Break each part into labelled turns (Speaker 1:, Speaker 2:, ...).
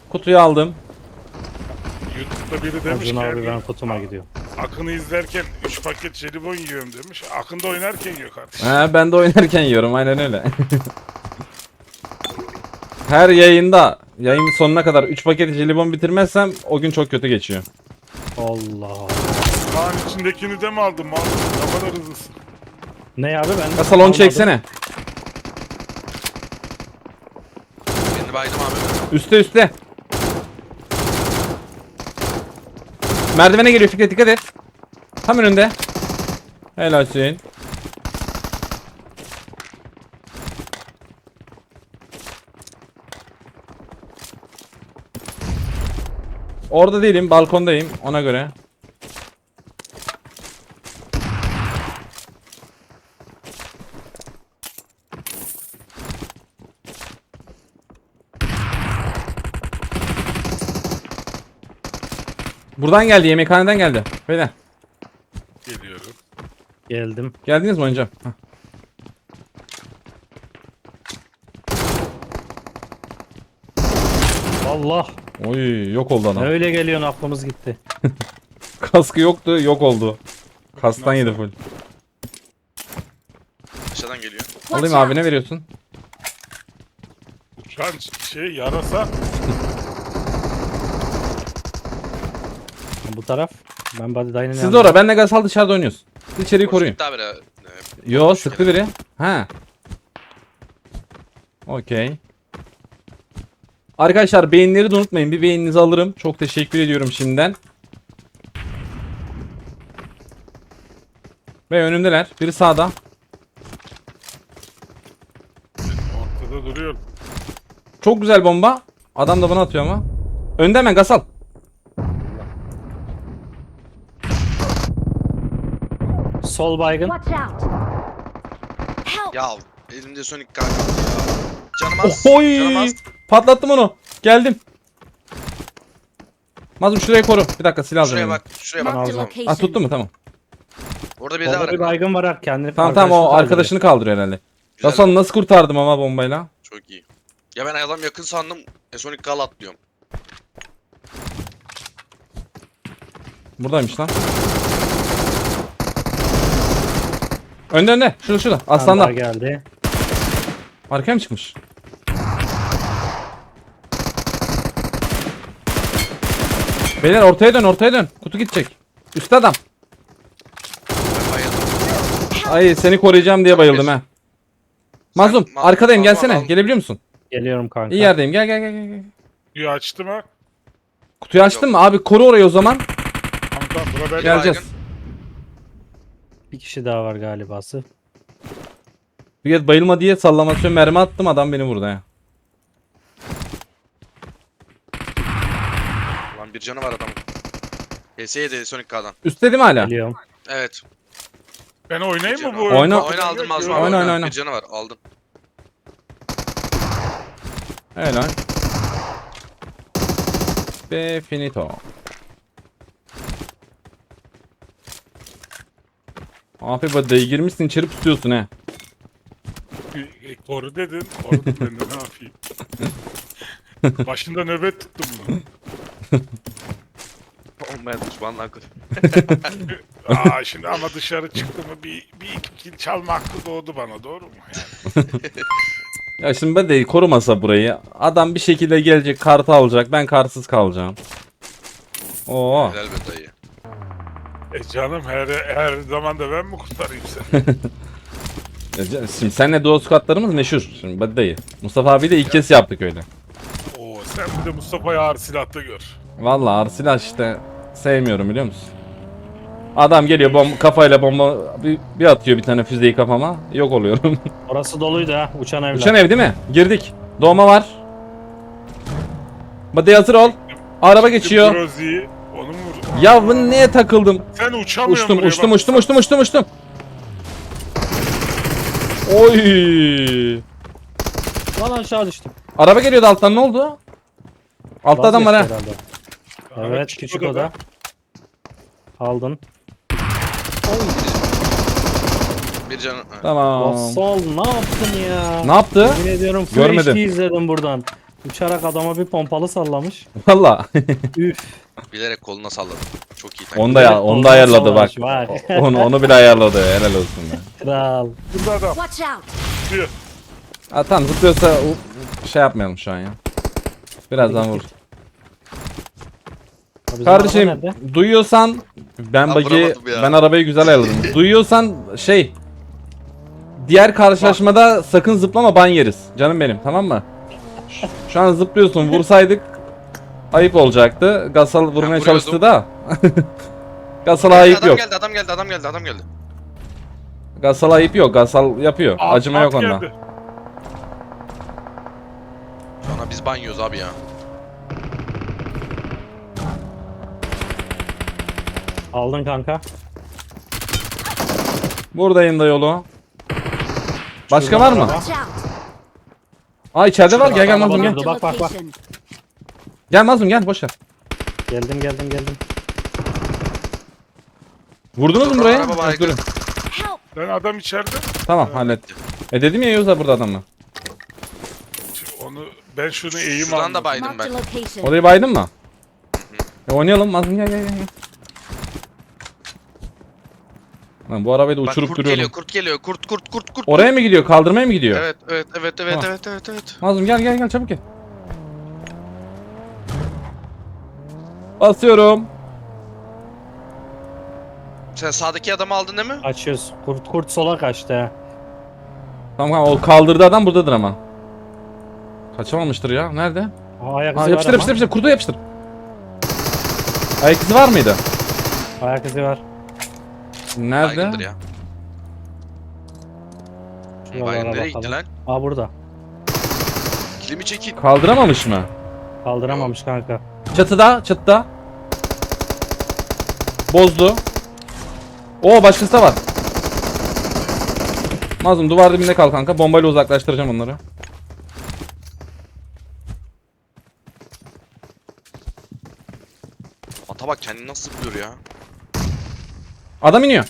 Speaker 1: Kutuyu aldım.
Speaker 2: YouTube'da biri demiş
Speaker 3: Acun
Speaker 2: ki
Speaker 3: abi ben kutuma gidiyorum.
Speaker 2: Akın'ı izlerken 3 paket jelibon yiyorum demiş. Akın da oynarken yiyor kardeşim.
Speaker 1: He, ben de oynarken yiyorum aynen öyle. Her yayında yayın sonuna kadar 3 paket jelibon bitirmezsem o gün çok kötü geçiyor.
Speaker 3: Allah Allah.
Speaker 2: Kaan içindekini de mi aldın? Ne kadar hızlısın.
Speaker 3: Ne abi ben?
Speaker 1: Ya salonu çeksene.
Speaker 4: Birini baydım abi.
Speaker 1: Üste üste. Merdivene geliyor Fikret, dikkat et. Tam önünde. Helal Hüseyin. Orada değilim, balkondayım ona göre. Buradan geldi, yemekhaneden geldi. Beyler,
Speaker 2: Geliyorum.
Speaker 3: Geldim.
Speaker 1: geldiniz mi oynayacağım? Hah.
Speaker 3: Allah.
Speaker 1: Oy, yok oldu adam.
Speaker 3: Öyle geliyorsun aklımız gitti.
Speaker 1: Kaskı yoktu, yok oldu. Kastan yedi full.
Speaker 4: Aşağıdan geliyor.
Speaker 1: Alayım abi, ne veriyorsun?
Speaker 2: Uçan yarasa.
Speaker 3: Bu taraf. Ben body dyne'ın
Speaker 1: Siz de orada, benle Gazal dışarıda oynuyoruz. Siz içeriği koruyun.
Speaker 4: Daha biri.
Speaker 1: Yo, sıktı biri. Ha. Okey. Arkadaşlar beğenileri de unutmayın. Bir beğeninizi alırım. Çok teşekkür ediyorum şimdiden. Ve önümdeler. Biri sağda.
Speaker 2: Ortada duruyor.
Speaker 1: Çok güzel bomba. Adam da bana atıyor ama. Önde hemen Gasal.
Speaker 3: Sol baygın.
Speaker 5: Watch out! Help!
Speaker 4: Ya elimde Sonic kaldı ya. Canım az.
Speaker 1: Ohoy!
Speaker 4: Canım az.
Speaker 1: Patlattım onu. Geldim. Mazlum şurayı koru. Bir dakika, silah alacağım.
Speaker 4: Şuraya
Speaker 1: elime.
Speaker 4: bak. Şuraya bak.
Speaker 5: Marked a
Speaker 3: Alacağım.
Speaker 5: location.
Speaker 1: Ah, tuttu mu? Tamam.
Speaker 4: Orada bir daha
Speaker 3: Orada bir
Speaker 4: var.
Speaker 3: baygın var ha kendini.
Speaker 1: Tamam tamam, o
Speaker 3: kaldırıyor.
Speaker 1: arkadaşını kaldırıyor herhalde.
Speaker 4: Güzel.
Speaker 1: Gasal nasıl kurtardım ama bombayla?
Speaker 4: Çok iyi. Ya ben adam yakın sandım. Sonic Gal atlıyorum.
Speaker 1: Buradaymış lan. Önde önde. Şurada şurada.
Speaker 3: Bir tane
Speaker 1: Aslanlar.
Speaker 3: daha geldi.
Speaker 1: Arkaya mı çıkmış? Beyler ortaya dön, ortaya dön. Kutu gidecek. Üstte adam.
Speaker 4: Ben bayıldım.
Speaker 1: Ay, seni koruyacağım diye bayıldım ha. Mazlum
Speaker 4: Sen-
Speaker 1: arkadayım, gelsene.
Speaker 4: Al.
Speaker 1: Gelebiliyor musun?
Speaker 3: Geliyorum kanka.
Speaker 1: İyi yerdeyim. Gel gel gel gel.
Speaker 2: Suyu açtım ha.
Speaker 1: Kutuyu açtın mı? Abi koru orayı o zaman.
Speaker 2: Tamam bura ben.
Speaker 1: Geleceğiz.
Speaker 3: Bir kişi daha var galibası.
Speaker 1: Bir kez bayılma diye sallamasyon mermi attım, adam beni vurdu ya.
Speaker 4: Lan bir canı var adamın. PS7 Sonic Gal'dan.
Speaker 1: Üstte değil mi hala?
Speaker 3: Geliyorum.
Speaker 4: Evet.
Speaker 2: Ben oynayayım mı bu
Speaker 4: Oyna.
Speaker 2: oyunu?
Speaker 1: Oyna.
Speaker 4: Oyna aldım Mazlum abi.
Speaker 1: Oyna, oyna.
Speaker 4: Bir canı var. Aldım.
Speaker 1: Helal. Ve finito. Abi badayı girmişsin, içeri pusuyorsun he.
Speaker 2: Koru dedin. Korudum ben de ne yapayım. Başında nöbet tuttum bunu.
Speaker 4: Olmayan düşmanlar.
Speaker 2: Şimdi ama dışarı çıktı mı bir iki kill çalma hakkı doğdu bana, doğru mu? Yani.
Speaker 1: Ya şimdi badayı korumasa burayı, adam bir şekilde gelecek, kartı alacak, ben kartsız kalacağım. Oo.
Speaker 4: Güzel be dayı.
Speaker 2: Canım her zaman da ben mi kurtarayım seni?
Speaker 1: Şimdi seninle duo squatlarımız meşhur. Şimdi badayı. Mustafa abi de ilk kez yaptık öyle.
Speaker 2: Oo, sen bir de Mustafa'yı ağır silahta gör.
Speaker 1: Vallahi Arsilah işte sevmiyorum, biliyor musun? Adam geliyor kafayla bomba bir atıyor, bir tane füzeyi kafama, yok oluyorum.
Speaker 3: Orası doluydu ha. Uçan evler.
Speaker 1: Uçan ev değil mi? Girdik. Doğma var. Badayı hazır ol. Araba geçiyor.
Speaker 2: Brozi'yi onu mu vurdun?
Speaker 1: Ya bu neye takıldım?
Speaker 2: Sen uçamıyorsun buraya
Speaker 1: Uçtum
Speaker 2: bak.
Speaker 1: uçtum. Oy!
Speaker 3: Lan aşağı düştüm.
Speaker 1: Araba geliyordu alttan, ne oldu? Altta adam var ha.
Speaker 3: Vazgeçti herhalde. Evet küçük oda. Aldın.
Speaker 4: Bir canı.
Speaker 1: Tamam.
Speaker 3: Sol ne yaptın ya?
Speaker 1: Ne yaptı?
Speaker 3: Yemin ediyorum full
Speaker 1: Görmedim.
Speaker 3: HD izledim buradan. Uçarak adama bir pompalı sallamış.
Speaker 1: Valla.
Speaker 3: Üf.
Speaker 4: Bilerek koluna salladım. Çok iyi taktik.
Speaker 1: Onu da ayarladı bak.
Speaker 3: Var.
Speaker 1: Onu bile ayarladı. Helal olsun ya.
Speaker 3: Kral.
Speaker 2: Burada adam
Speaker 5: Watch out!
Speaker 2: diyor.
Speaker 1: Ha, tamam zıplıyorsa şey yapmayalım şu an ya. Birazdan vur.
Speaker 3: Bizim
Speaker 1: Kardeşim
Speaker 3: araba nerede?
Speaker 1: duyuyorsan ben
Speaker 4: vuramadım ya.
Speaker 1: ben arabayı güzel ayarladım. Duyuyorsan şey diğer karşılaşmada sakın zıplama, ban yeriz. Canım benim, tamam mı? Şu an zıplıyorsun. Vursaydık ayıp olacaktı. Gasal vurmaya
Speaker 4: vuruyordum.
Speaker 1: çalıştı da. Gasal'a ayıp
Speaker 4: Adam
Speaker 1: yok.
Speaker 4: geldi, adam geldi, adam geldi, adam geldi.
Speaker 1: Gasal'a ayıp yok. Gasal yapıyor. Acıma yok onda.
Speaker 2: geldi.
Speaker 4: Sonra biz banyoz abi ya.
Speaker 3: Aldın kanka.
Speaker 1: Buradayım da yolu. Başka
Speaker 3: Şuradan
Speaker 1: var mı?
Speaker 3: araba.
Speaker 5: Watch out!
Speaker 1: Aa içeride var. Gel gel
Speaker 3: araba
Speaker 1: Mazlum gel.
Speaker 3: durdu. Bak, bak, bak.
Speaker 5: Location.
Speaker 1: Gel Mazlum gel, boş ver.
Speaker 3: Geldim.
Speaker 1: Vurdunuz mu
Speaker 4: Dur,
Speaker 1: buraya?
Speaker 4: araba
Speaker 1: Ha,
Speaker 4: baygın.
Speaker 1: durun.
Speaker 5: Help!
Speaker 2: Ben adam içeride.
Speaker 1: Tamam hallettim. Dedim ya Yavuz da burada adamla.
Speaker 2: Şimdi onu ben şunu eğim
Speaker 4: Şuradan
Speaker 2: aldım.
Speaker 4: da baydım
Speaker 5: Marked a
Speaker 4: ben.
Speaker 5: location.
Speaker 1: Orayı baydın mı? Oynayalım Mazlum, gel gel gel. Lan bu arabayı da
Speaker 4: Bak
Speaker 1: uçurup
Speaker 4: kurt
Speaker 1: duruyorum.
Speaker 4: geliyor, kurt geliyor. Kurt.
Speaker 1: Oraya mı gidiyor? Kaldırmaya mı gidiyor?
Speaker 4: Evet.
Speaker 1: Tamam.
Speaker 4: Evet.
Speaker 1: Mazlum gel çabuk gel. Basıyorum.
Speaker 4: Sen sağdaki adamı aldın değil mi?
Speaker 3: Açıyoruz. Kurt sola kaçtı ha.
Speaker 1: Tamam o kaldırdı adam buradadır ama. Kaçamamıştır ya. Nerede?
Speaker 3: Ayak
Speaker 1: Ha,
Speaker 3: izi
Speaker 1: yapıştır
Speaker 3: var
Speaker 1: yapıştır. Kurdu yapıştır. Ayak izi var mıydı?
Speaker 3: ama. Ayak izi var.
Speaker 1: Nerede?
Speaker 4: Baygındır ya.
Speaker 3: Şuralara
Speaker 4: Baygın nereye gitti
Speaker 3: bakalım.
Speaker 4: lan?
Speaker 3: Aa burada.
Speaker 4: Kilimi çekin.
Speaker 1: Kaldıramamış mı?
Speaker 3: Kaldıramamış kanka.
Speaker 1: Çatıda. Bozdu. Oo başkası da var. Mazlum duvar dibinde kal kanka. Bombayla uzaklaştıracağım onları.
Speaker 4: Ata bak kendini nasıl zıplıyor ya.
Speaker 1: Adam iniyor.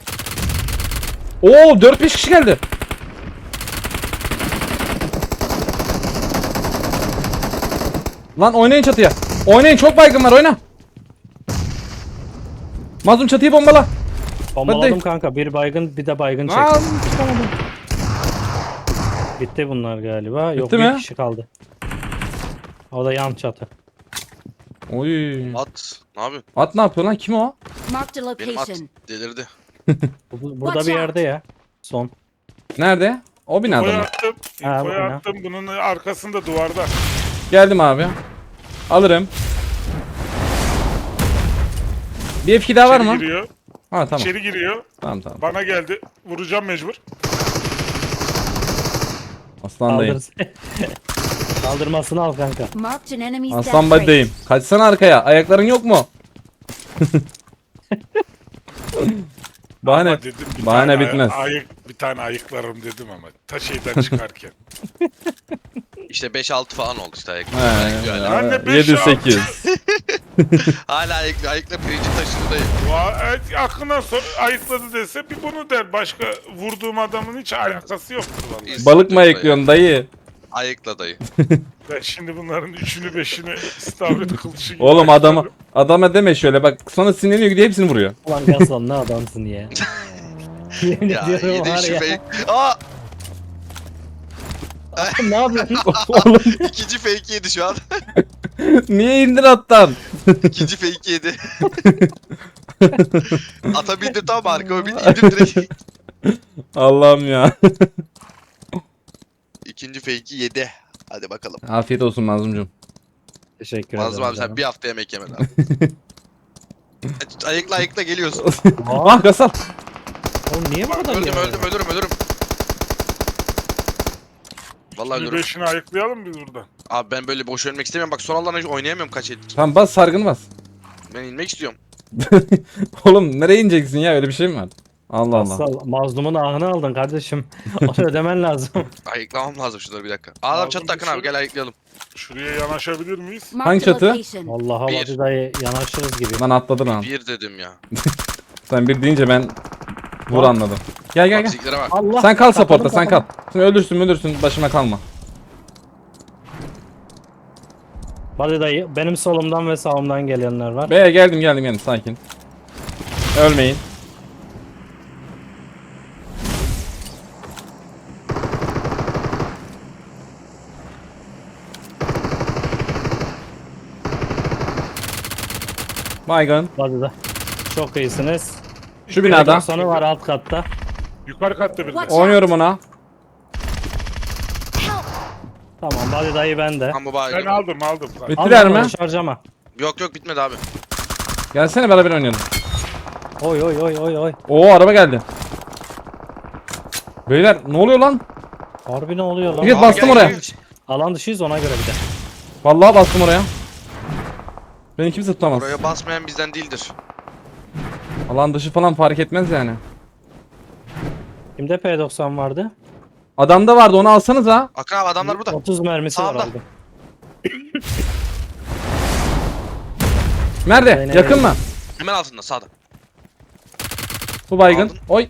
Speaker 1: Oo 4-5 kişi geldi. Lan oynayın çatıya. Oynayın, çok baygın var, oyna. Mazlum çatıyı bombala.
Speaker 3: Bombaladım
Speaker 1: Hadi.
Speaker 3: kanka. Bir baygın bir de baygın
Speaker 1: Aa,
Speaker 3: çektim. Bitti bunlar galiba. Yok
Speaker 1: Bitti
Speaker 3: bir
Speaker 1: mi?
Speaker 3: kişi kaldı. O da yan çatı.
Speaker 1: Oy.
Speaker 4: At. Ne yapıyorsun?
Speaker 1: At ne yapıyor lan? Kim o?
Speaker 5: Marked a
Speaker 4: Benim at
Speaker 5: location.
Speaker 4: delirdi.
Speaker 3: Burada
Speaker 5: Watch
Speaker 3: bir
Speaker 5: out.
Speaker 3: yerde ya. Son.
Speaker 1: Nerede? O binada
Speaker 2: Infoyu
Speaker 1: mı?
Speaker 2: attım.
Speaker 3: Ha,
Speaker 2: Infoyu
Speaker 3: bu ne?
Speaker 2: attım. Bunun arkasında duvarda.
Speaker 1: Geldim abi. Alırım. Bir F2 daha var
Speaker 2: İçeri
Speaker 1: mı?
Speaker 2: giriyor.
Speaker 1: Ha tamam.
Speaker 2: İçeri giriyor.
Speaker 1: Tamam.
Speaker 2: Bana geldi. Vuracağım mecbur.
Speaker 1: Aslandayım.
Speaker 3: Kaldır. Kaldırmasını al kanka.
Speaker 5: Marked an enemy's
Speaker 1: Aslan
Speaker 5: death rate.
Speaker 1: badeyim. Kaçsana arkaya. Ayakların yok mu? Bahane.
Speaker 2: Ama dedim bir
Speaker 1: bahane
Speaker 2: tane
Speaker 1: bitmez.
Speaker 2: bir tane ayıklarım dedim ama ta şeyden çıkarken.
Speaker 4: İşte 5-6 falan oldu işte ayıkla.
Speaker 1: He,
Speaker 2: Ben de beş
Speaker 1: 7-8.
Speaker 4: Hala ayıkla pirinci taşındayım.
Speaker 2: Evet, aklına sor ayıkladı dese bir bunu der. Başka vurduğum adamın hiç alakası yoktur vallahi.
Speaker 1: Balık mı ayıklıyorsun dayı?
Speaker 4: Ayıkla dayı.
Speaker 2: Ben şimdi bunların üçünü beşini istavrit kılıcı gibi
Speaker 1: Oğlum
Speaker 2: ayıklarım.
Speaker 1: adama deme şöyle bak, sonra sinirleniyor gidiyor hepsini vuruyor.
Speaker 3: Ulan Gaslan ne adamsın ya. Yemin
Speaker 4: Ya
Speaker 3: ediyorum
Speaker 4: yedi
Speaker 3: var
Speaker 4: şu
Speaker 3: ya.
Speaker 4: fake. Aa!
Speaker 3: Ne yapıyorsun?
Speaker 1: Oğlum
Speaker 4: İkinci fake yedi şu an.
Speaker 1: niye indir attan?
Speaker 4: İkinci fake yedi. Ata bindim tam arkama bindim indim direkt.
Speaker 1: Allah'ım ya.
Speaker 4: İkinci fake'i yedi. Hadi bakalım.
Speaker 1: Afiyet olsun Mazlumcum.
Speaker 3: Teşekkür ederim.
Speaker 4: Mazlum abi sen
Speaker 3: canım.
Speaker 4: bir hafta yemek yemen abi. Ayıkla geliyorsun.
Speaker 1: Ah Gasal.
Speaker 3: Oğlum niye bu kadar
Speaker 4: Öldüm
Speaker 3: ya?
Speaker 4: ölürüm. Vallahi
Speaker 2: Üçünü
Speaker 4: ölürüm.
Speaker 2: beşini ayıklayalım biz buradan.
Speaker 4: Abi ben böyle boş ölmek istemiyorum. Bak son alanı hiç oynayamıyorum kaç ettir.
Speaker 1: Tamam bas, sargını bas.
Speaker 4: Ben inmek istiyorum.
Speaker 1: Oğlum nereye ineceksin ya, öyle bir şey mi var? Allah Allah.
Speaker 3: Aslan, mazlumun ahını aldın kardeşim. Onu ödemen lazım.
Speaker 4: Ayıklamam lazım şunları bir dakika. Adam
Speaker 2: Aldım
Speaker 4: çatı takın
Speaker 2: bir
Speaker 4: abi
Speaker 2: sürü.
Speaker 4: gel ayıklayalım.
Speaker 2: Şuraya yanaşabilir miyiz?
Speaker 1: Hangi
Speaker 5: Marked a
Speaker 1: çatı?
Speaker 5: location.
Speaker 3: Vallahi
Speaker 4: Bir.
Speaker 3: hadi dayı yanaşırız gibi.
Speaker 1: Lan atladı lan.
Speaker 4: Bir dedim ya.
Speaker 1: Sen bir deyince ben vur
Speaker 3: Bak.
Speaker 1: anladım. Gel.
Speaker 4: Fiziklere bak.
Speaker 3: Allah.
Speaker 1: Sen kal
Speaker 3: kapadım,
Speaker 1: supportta, sen kal.
Speaker 3: kapadım.
Speaker 1: Şimdi ölürsün başıma kalma.
Speaker 3: Hadi dayı. Benim solumdan ve sağımdan gelenler var.
Speaker 1: B'ye geldim sakin. Ölmeyin. Baygın.
Speaker 3: Hadi da. Çok iyisiniz.
Speaker 1: Şu binada.
Speaker 3: Sonu var alt katta.
Speaker 2: Yukarı katta bir de.
Speaker 5: Watch out.
Speaker 1: Oynuyorum ona.
Speaker 5: Help!
Speaker 3: Tamam hadi dayı bende.
Speaker 4: Tam bu
Speaker 2: Ben
Speaker 4: baygın.
Speaker 2: aldım.
Speaker 1: Bittiler
Speaker 3: Al
Speaker 1: mi?
Speaker 3: bakalım, harcama.
Speaker 4: Yok bitmedi abi.
Speaker 1: Gelsene beraber oynayalım.
Speaker 3: Oy oy oy oy oy.
Speaker 1: Oo araba geldi. Beyler ne oluyor lan?
Speaker 3: Harbi ne oluyor lan?
Speaker 1: Evet,
Speaker 4: Abi
Speaker 1: bastım
Speaker 4: gel,
Speaker 1: oraya.
Speaker 4: gel.
Speaker 3: Alan dışıyız ona göre bir de.
Speaker 1: Vallahi bastım oraya. Beni kimse tutamaz.
Speaker 4: Oraya basmayan bizden değildir.
Speaker 1: Alan dışı falan fark etmez yani.
Speaker 3: Kimde P90 vardı?
Speaker 1: Adamda vardı onu alsanız ha.
Speaker 4: Akın abi adamlar burada.
Speaker 3: 30 mermisi var
Speaker 4: Sağda.
Speaker 3: aldım.
Speaker 1: Nerede?
Speaker 3: Aynen
Speaker 1: Yakın
Speaker 3: öyle.
Speaker 1: mı?
Speaker 4: Hemen altında sağda.
Speaker 1: Bu baygın.
Speaker 4: Aldım.
Speaker 1: Oy.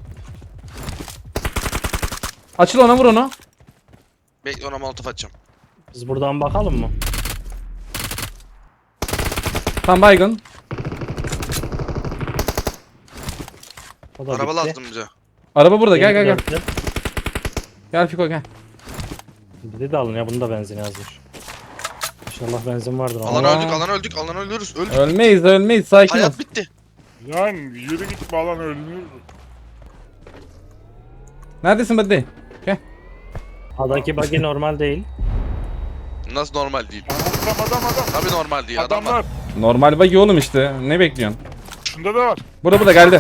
Speaker 1: Açıl ona vur onu.
Speaker 4: Bekle ona molotof atacağım.
Speaker 3: Biz buradan bakalım mı?
Speaker 1: Tam baygın.
Speaker 3: O da
Speaker 4: Araba
Speaker 3: bitti.
Speaker 4: lazım bize.
Speaker 1: Araba burada gel gel gel.
Speaker 3: Dörtlü.
Speaker 1: Gel Fiko gel.
Speaker 3: Biri de alın ya bunun da benzin yazmış. İnşallah benzin vardır.
Speaker 4: Alan
Speaker 1: Allah.
Speaker 4: öldük alan ölürüz. Öldük.
Speaker 1: Ölmeyiz sakin ol.
Speaker 4: Hayat bitti.
Speaker 2: Yani yürü git bağlan ölünür.
Speaker 1: Neredesin buddy? Gel.
Speaker 3: Adaki buggy normal değil.
Speaker 4: Nasıl normal değil?
Speaker 2: Adam.
Speaker 4: Tabii normal değil. Adam var.
Speaker 2: Adamlar.
Speaker 1: Normal buggy oğlum işte. Ne bekliyorsun?
Speaker 2: Şunda da var.
Speaker 1: Burada geldi.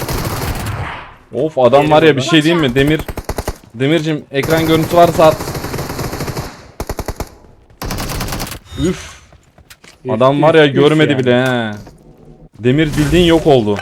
Speaker 1: Of adam
Speaker 3: Geri
Speaker 1: var ya
Speaker 3: burada.
Speaker 1: bir şey diyeyim mi? Demircim ekran görüntüsü varsa at. Üf. Adam var ya görmedi
Speaker 3: yani.
Speaker 1: bile he. Demir bildiğin yok oldu.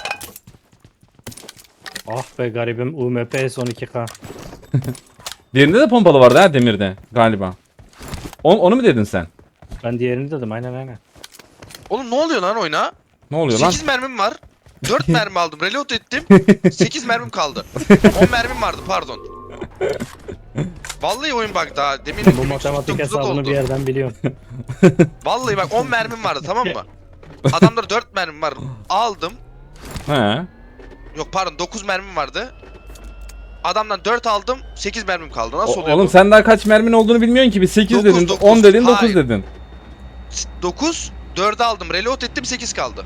Speaker 3: Ah be garibim UMP son 2K.
Speaker 1: Diğerinde de pompalı vardı ha demirde galiba. Onu mu dedin sen?
Speaker 3: Ben diğerini dedim aynen.
Speaker 4: Oğlum ne oluyor lan oyuna?
Speaker 1: Ne oluyor lan?
Speaker 4: 8 mermim var. 4 mermi aldım. Reload ettim. 8 mermim kaldı. 10 mermim vardı pardon. Vallahi oyun bak daha demin
Speaker 3: Bu matematik hesabını bir yerden biliyorum.
Speaker 4: Vallahi bak 10 mermim vardı tamam mı? Adamda 4 mermim var. Aldım.
Speaker 1: He.
Speaker 4: Yok pardon 9 mermim vardı. Adamdan 4 aldım. 8 mermim kaldı. Nasıl oluyor
Speaker 1: Oğlum
Speaker 4: bu?
Speaker 1: sen daha kaç mermin olduğunu bilmiyorsun ki. Bir 8
Speaker 4: Dokuz,
Speaker 1: dedin,
Speaker 4: dokuz.
Speaker 1: 10 dedin, 9
Speaker 4: Hayır.
Speaker 1: dedin.
Speaker 4: 9 4'ü aldım. Reload ettim 8 kaldı.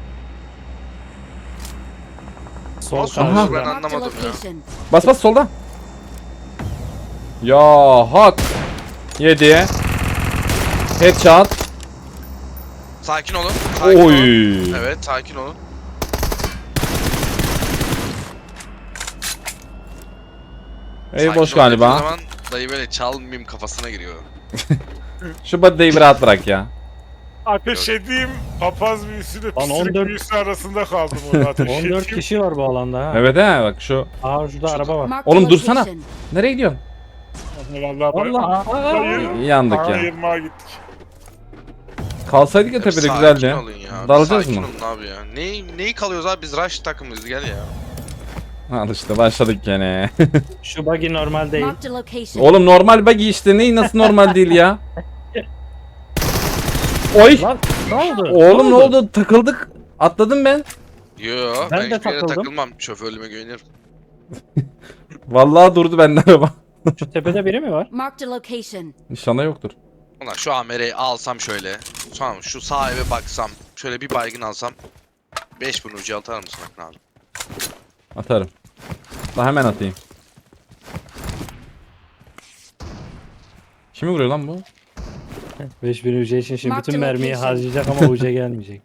Speaker 3: Sol
Speaker 4: Nasıl
Speaker 1: Aha.
Speaker 4: oluyor ben
Speaker 3: karşıda.
Speaker 5: Marked a
Speaker 4: anlamadım ya.
Speaker 5: location.
Speaker 1: Bas solda. Ya hak. 7'ye. Headshot.
Speaker 4: Sakin olun. Sakin olun.
Speaker 1: Oy.
Speaker 4: Evet sakin olun.
Speaker 1: Ey
Speaker 4: Sakin
Speaker 1: boş
Speaker 4: olun dediğim
Speaker 1: galiba.
Speaker 4: zaman dayı böyle çalmayayım kafasına giriyor.
Speaker 1: Şu body'yi bir rahat bırak ya.
Speaker 2: Ateş edeyim. Papaz büyüsüyle
Speaker 3: Lan
Speaker 2: pislik
Speaker 3: 14
Speaker 2: büyüsü arasında kaldım orada ateş
Speaker 3: 14
Speaker 2: edeyim.
Speaker 3: kişi var bu alanda ha.
Speaker 1: Evet he bak şu.
Speaker 3: Aa şurada araba var.
Speaker 5: Marked a
Speaker 1: Oğlum dursana.
Speaker 5: location.
Speaker 1: Nereye gidiyorsun?
Speaker 2: Vallahi
Speaker 3: Allah.
Speaker 1: Yandık ya.
Speaker 2: Yırmağa gittik.
Speaker 1: Kalsaydık ya tepede
Speaker 4: Sakin
Speaker 1: güzeldi.
Speaker 4: olun ya.
Speaker 1: Dalacağız
Speaker 4: Sakin
Speaker 1: mı?
Speaker 4: olun abi ya. Neyi kalıyoruz abi biz rush takımıyız gel ya.
Speaker 1: Al işte başladık gene.
Speaker 3: Şu buggy normal değil.
Speaker 5: Marked a location.
Speaker 1: Oğlum normal buggy işte neyi nasıl normal değil ya? Oy!
Speaker 3: Lan ne oldu?
Speaker 1: Oğlum ne oldu? Takıldık. Atladım ben.
Speaker 4: Yo
Speaker 3: Ben
Speaker 4: ben
Speaker 3: de
Speaker 4: hiçbir yere
Speaker 3: takıldım.
Speaker 4: takılmam. Şoförlüğüme güvenirim.
Speaker 1: Vallahi durdu bende araba.
Speaker 3: Şu tepede biri mi var?
Speaker 5: Marked a location.
Speaker 1: İnşallah yoktur.
Speaker 4: Ulan şu AMR'yi alsam şöyle. Sonra şu sağ eve baksam. Şöyle bir baygın alsam. 5000 ucu atar mısın Akın abi?
Speaker 1: Atarım. Daha hemen atayım. Kimi vuruyor lan bu?
Speaker 3: 5000 UC için şimdi
Speaker 5: Mark
Speaker 3: bütün
Speaker 5: the
Speaker 3: mermiyi
Speaker 5: location.
Speaker 3: harcayacak ama UC gelmeyecek.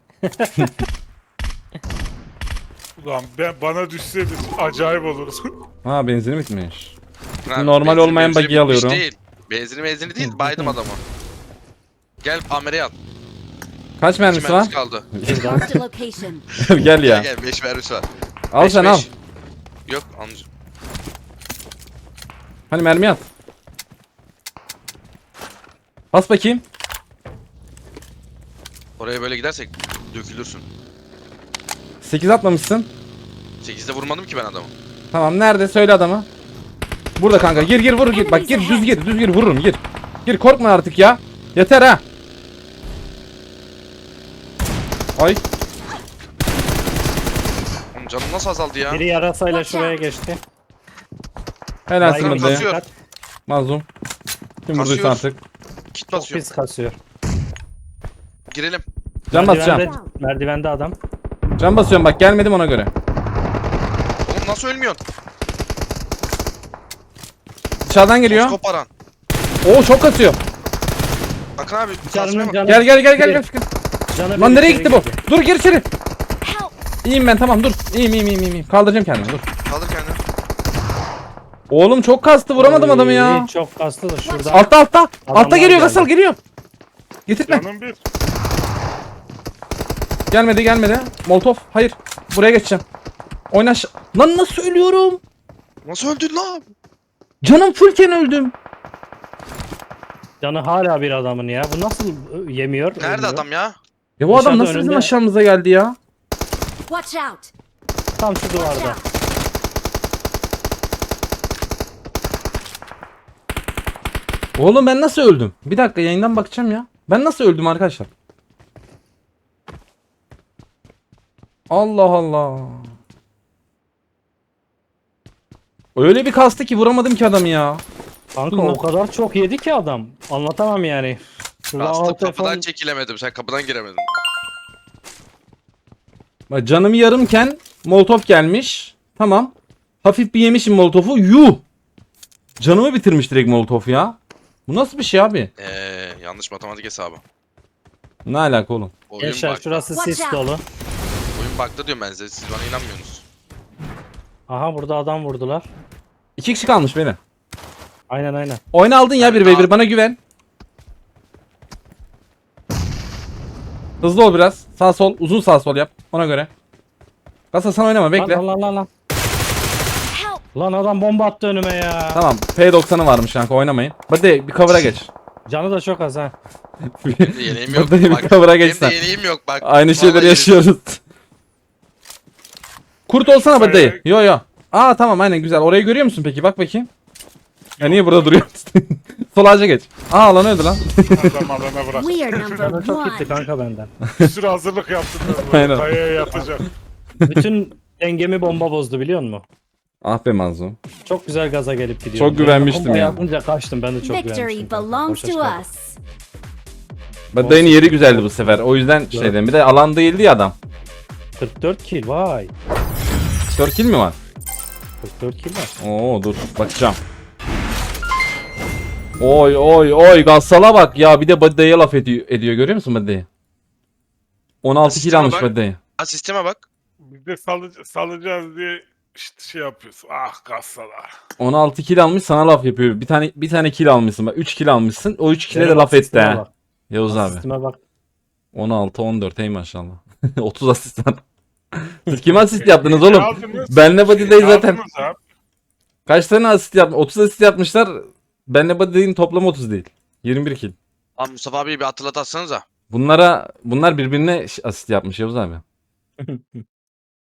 Speaker 2: Ulan bana düşseydi acayip olurdu.
Speaker 1: Ha benzini bitmiş.
Speaker 4: Akın abi,
Speaker 1: Normal
Speaker 4: benzin
Speaker 1: olmayan
Speaker 4: mevzini
Speaker 1: buggy'i alıyorum.
Speaker 4: bitmiş Değil. Benzini değil baydım adamı. Gel AMR'yi al.
Speaker 1: Kaç
Speaker 4: 2
Speaker 1: mermisi var?
Speaker 4: mermisi kaldı.
Speaker 5: Marked a location.
Speaker 1: Gel ya.
Speaker 4: Gel 5 mermisi var.
Speaker 1: Al
Speaker 4: Beş,
Speaker 1: sen
Speaker 4: beş.
Speaker 1: al.
Speaker 4: Yok almayacağım.
Speaker 1: Hani mermi at. Bas bakayım.
Speaker 4: Oraya böyle gidersek dökülürsün.
Speaker 1: 8 atmamışsın.
Speaker 4: 8'de vurmadım ki ben adamı.
Speaker 1: Tamam nerede söyle adamı. Burada kanka gir vur gir. Bak gir düz gir vururum gir. Gir korkma artık ya. Yeter ha. Ay.
Speaker 4: Oğlum canım nasıl azaldı ya?
Speaker 3: Biri yarasayla
Speaker 5: Watch
Speaker 3: şuraya
Speaker 5: out.
Speaker 3: geçti.
Speaker 1: Helalsin
Speaker 3: Baygın
Speaker 1: Badayı.
Speaker 4: kasıyor.
Speaker 1: Mazlum. Kim vurduysa
Speaker 4: Kasıyor.
Speaker 1: artık.
Speaker 4: Kit
Speaker 3: Çok
Speaker 4: basıyor.
Speaker 3: pis kasıyor.
Speaker 4: Girelim.
Speaker 1: Can basacağım.
Speaker 3: Merdivende adam.
Speaker 1: Can basıyorum bak, gelmedim ona göre.
Speaker 4: Oğlum nasıl ölmüyorsun?
Speaker 1: Dışarıdan geliyor.
Speaker 4: Koparan.
Speaker 1: Oo çok kasıyor.
Speaker 4: Bakın abi.
Speaker 3: Canının
Speaker 4: kasmaya bak.
Speaker 3: canı.
Speaker 1: Gel gel gel gel gel.
Speaker 3: Canı
Speaker 1: Lan
Speaker 3: bir
Speaker 1: nereye
Speaker 3: içeri
Speaker 1: gitti bu?
Speaker 3: girdi.
Speaker 1: Dur gir içeri.
Speaker 5: Help!
Speaker 1: İyiyim ben, tamam dur. İyiyim. Kaldıracağım kendimi, dur.
Speaker 4: Kaldır kendini.
Speaker 1: Oğlum çok kastı, vuramadım adamı ya.
Speaker 3: Oy, çok kaslı da şurada.
Speaker 1: Altta. Altta
Speaker 3: Adamlar
Speaker 1: geliyor
Speaker 3: geldi.
Speaker 1: Gasal, geliyor. Getirtme.
Speaker 2: Canım bir.
Speaker 1: Gelmedi. Molotov. Hayır. Buraya geçeceğim. Oyna Lan nasıl ölüyorum?
Speaker 4: Nasıl öldün lan?
Speaker 1: Canım fullken öldüm.
Speaker 3: Canı hala bir adamın ya. Bu nasıl yemiyor?
Speaker 4: Nerede
Speaker 3: ölmüyor?
Speaker 4: adam ya?
Speaker 1: Ya bu adam
Speaker 3: Dışarıda
Speaker 1: nasıl bizim
Speaker 3: önünde.
Speaker 1: aşağımıza geldi ya?
Speaker 5: Watch out!
Speaker 3: Tam şu
Speaker 5: Watch
Speaker 3: duvarda.
Speaker 5: out!
Speaker 1: Oğlum ben nasıl öldüm? Bir dakika, yayından bakacağım ya. Ben nasıl öldüm arkadaşlar? Allah Allah. Öyle bir kastı ki vuramadım ki adamı ya.
Speaker 3: Kanka
Speaker 1: Dur lan.
Speaker 3: o kadar çok yedi ki adam. Anlatamam yani. Şurada
Speaker 4: Aslında
Speaker 3: alt
Speaker 4: kapıdan
Speaker 3: telefon-
Speaker 4: çekilemedim. Sen kapıdan giremedin.
Speaker 1: Bak canım yarımken Molotov gelmiş. Tamam. Hafif bir yemişim Molotov'u. Yuh. Canımı bitirmiş direkt Molotov ya. Bu nasıl bir şey abi?
Speaker 4: Yanlış matematik hesabı.
Speaker 1: Ne alaka oğlum?
Speaker 4: Oyun
Speaker 3: Gençler
Speaker 4: baktı.
Speaker 3: şurası
Speaker 5: Watch
Speaker 3: sis
Speaker 5: out.
Speaker 3: dolu.
Speaker 4: Oyun baktı diyorum ben size. Siz bana inanmıyorsunuz.
Speaker 3: Aha burada adam vurdular.
Speaker 1: 2 kişi kalmış beni.
Speaker 3: Aynen.
Speaker 1: Oyna aldın ya
Speaker 4: Evet,
Speaker 1: 1v1,
Speaker 4: al.
Speaker 1: bana güven. Hızlı ol biraz. Sağ sol, uzun sağ sol yap. Ona göre. Kasa sen oynama, bekle.
Speaker 3: Lan.
Speaker 5: Help!
Speaker 3: Lan adam bomba attı önüme ya.
Speaker 1: Tamam. P90'ı varmış kanka, oynamayın. Hadi bir cover'a geç.
Speaker 3: Canı da çok az ha.
Speaker 4: Benim de yeleğim yok.
Speaker 1: Hadi bir
Speaker 4: Bak,
Speaker 1: cover'a
Speaker 4: benim
Speaker 1: geç sen.
Speaker 4: de yeleğim yok bak.
Speaker 1: Aynı şeyleri
Speaker 4: Vallahi
Speaker 1: yaşıyoruz. Kurt olsana be dayı. Yo. Aa tamam, aynen güzel. Orayı görüyor musun peki? Bak bakayım. Ya niye burada duruyorsun? Sol ağaca geç. Aa alan öldü lan.
Speaker 2: Adam alana bırak.
Speaker 5: We are number
Speaker 3: Canı çok gitti
Speaker 5: one.
Speaker 3: kanka benden.
Speaker 2: Bir sürü hazırlık yaptım.
Speaker 1: Aynen.
Speaker 2: Kayaya yatacak.
Speaker 3: Bütün dengemi bomba bozdu biliyor musun?
Speaker 1: Ah be Mazlum.
Speaker 3: Çok güzel gaza gelip gidiyorum.
Speaker 1: Çok güvenmiştim
Speaker 3: Bomba
Speaker 1: ya.
Speaker 3: yapınca kaçtım, ben de çok
Speaker 5: Victory
Speaker 3: güvenmiştim. kanka.
Speaker 5: belongs
Speaker 3: Boşa
Speaker 5: to
Speaker 3: çıkardım.
Speaker 5: us.
Speaker 1: Dayının yeri güzeldi bu sefer. O yüzden şey dedim. Bir de alan değildi ya adam.
Speaker 3: 44 kill vay.
Speaker 1: 4 kill mi var?
Speaker 3: 44 kill var.
Speaker 1: Oo dur bakacağım. Oy Gassal'a bak ya, bir de Baday'a laf ediyor görüyor musun Baday'ı? 16 kill
Speaker 4: Sisteme
Speaker 1: almış
Speaker 4: bak.
Speaker 1: Baday'ı.
Speaker 4: Ha sisteme bak.
Speaker 2: Biz de salacağız diye işte şey yapıyorsun. Ah kassalar.
Speaker 1: 16 kill almış, sana laf yapıyor. Bir tane kill almışsın bak. 3 kill almışsın. O 3 kill'e de
Speaker 3: Benim
Speaker 1: laf etti
Speaker 3: asistime
Speaker 1: ha.
Speaker 3: bak.
Speaker 1: Yavuz abi.
Speaker 3: Asistime bak.
Speaker 1: 16 14 ey maşallah. 30 asistan. Siz kime asist yaptınız oğlum?
Speaker 2: Aldınız.
Speaker 1: Benle Baday'ı zaten.
Speaker 2: Aldınız abi.
Speaker 1: Kaç tane asist yapmış? 30 asist yapmışlar. Benle Baday'ın toplamı 30 değil. 21 kill.
Speaker 4: Abi Mustafa abiyi bir hatırlat atsanıza.
Speaker 1: Bunlar birbirine asist yapmış Yavuz abi.